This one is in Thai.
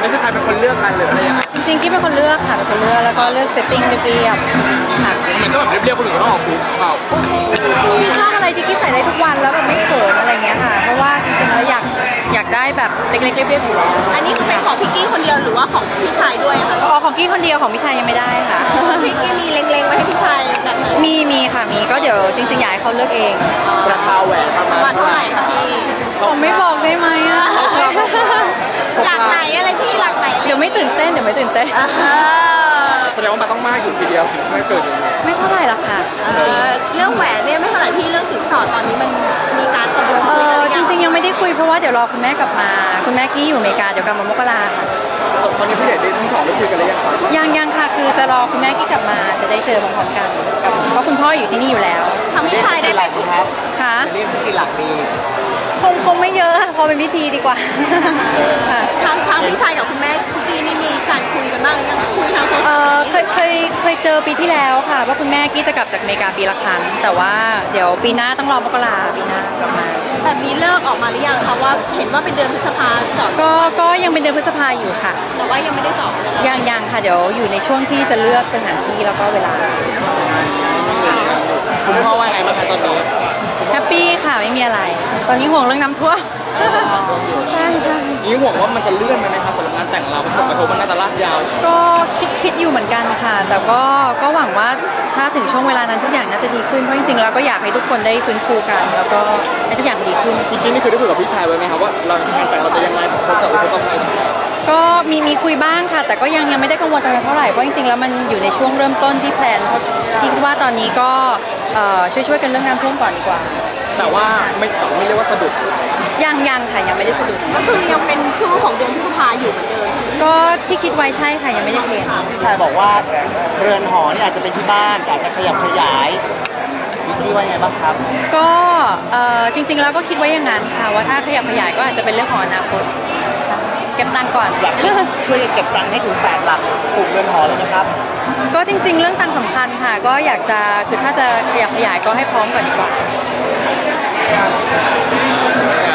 นี้คือใครเป็นคนเลือกกันหรืออะไรยังไงจริงๆกี้เป็นคนเลือกค่ะเป็นคนเลือกแล้วก็เลือกเซตติ้งเรียบๆค่ะเหมือนสำหรับเรียบๆคนอื่นก็ต้องออกคุกเปล่ากี้ชอบอะไรที่กี้ใส่ได้ทุกวันแล้วแบบไม่เขินอะไรเงี้ยค่ะเพราะว่าจริงๆแล้วอยากได้แบบเล็กๆเรียบๆอยู่แล้วอันนี้คือเป็นของพี่กี้คนเดียวหรือว่าของพี่ชายด้วยคะของกี้คนเดียวของพี่ชายยังไม่ได้ค่ะพี่กี้มีเล็งๆไว้ให้พี่ชายแบบไหนมีค่ะมีก็เดี๋ยวจริงๆอยากให้เขาเลือกเองราคาแหวนประมาณเท่าไหร่คะพี่ผมไม่บอกได้ไหมอะหลักไหนอะไรพี่หลักไหนเดี๋ยวไม่ตื่นเต้นแสดงว่ามันต้องมากอยู่ทีเดียวถึงไม่เกิดอย่างนี้ไม่เท่าไหร่หรอกค่ะเรื่องแหวนเนี่ยไม่เท่าไหร่พี่เรื่องสินสอดตอนนี้มันมีการตกลงคุยกันจริงๆยังไม่ได้คุยเพราะว่าเดี๋ยวรอคุณแม่กลับมาคุณแม่กี้อยู่อเมริกาเดี๋ยวกลับมามกราค่ะตอนนี้ผู้ใหญ่ทั้งสองได้คุยกันหรือยังครับยังค่ะคือจะรอคุณแม่กี้กลับมาจะได้เจอพร้อมๆกันเพราะคุณพ่ออยู่ที่นี่อยู่แล้วทำพี่ชายได้ไหมครับค่ะเรียกกี่หลักดีคงไม่เยอะพอเป็นพิธีดีกว่าทางพี่ชายกับคุณแม่คุณกี้นี่มีการคุยกันบ้างหรือยังคุยทางโซเชียลเคยเจอปีที่แล้วค่ะว่าคุณแม่กี้จะกลับจากอเมริกาปีละครั้งแต่ว่าเดี๋ยวปีหน้าต้องรอมกราปีหน้ากลับมาแบบนี้เลิกออกมาหรือยังคะว่าเห็นว่าเป็นเดือนพฤษภาจอดก็ยังเป็นเดือนพฤษภาอยู่ค่ะแต่ว่ายังไม่ได้จอดยังค่ะเดี๋ยวอยู่ในช่วงที่จะเลือกสถานที่แล้วก็เวลาคุณพ่อว่าไงบ้างคะตอนนี้แฮปปี้ค่ะไม่มีอะไรตอนนี้ห่วงเรื่องน้ำท่วมใช่นี่ห่วงว่ามันจะเลื่อนไหมครับสำหรับงานแต่งเราผลกระทบมันน่าจะลากยาวก็คิดอยู่เหมือนกันค่ะแต่ก็หวังว่าถ้าถึงช่วงเวลานั้นทุกอย่างน่าจะดีขึ้นเพราะจริงๆแล้วก็อยากให้ทุกคนได้ฟื้นฟูกันแล้วก็ให้ทุกอย่างดีขึ้นจริงๆนี่คือได้คุยกับพี่ชายไว้ไหมครับว่าเรางานแต่งเราจะยังไงเขาจะอุปถัมภ์ก็มีคุยบ้างค่ะแต่ก็ยังไม่ได้กังวลอะไรเท่าไหร่เพราะจริงๆแล้วมันอยู่ในช่วงเริ่มต้นที่แพลนคิดว่าตอนนี้ก็ช่วยกันเรื่องน้ำท่วมก่อนดีกว่าแต่ว่าไม่เรียกว่าสะดุดยังค่ะยังไม่ได้สะดุดก็คือยังเป็นชื่อของเดือนพฤษภาอยู่เหมือนเดิมก็ที่คิดไว้ใช่ค่ะยังไม่ได้เปลี่ยนพี่ชายบอกว่าเรือนหอนี่อาจจะเป็นที่บ้านแต่อาจจะขยับขยายพี่ว่าไงบ้างครับก็จริงๆแล้วก็คิดไว้อย่างนั้นค่ะว่าถ้าขยับขยายก็อาจจะเป็นเรื่องของอนาคตเก็บตังค์ก่อนอยากช่วยเก็บตังค์ให้ถึง8 หลักปลูกเรือนหอเลยนะครับก็จริงๆเรื่องตังค์สำคัญค่ะก็อยากจะคือถ้าจะขยับขยายก็ให้พร้อมก่อนดีกว่า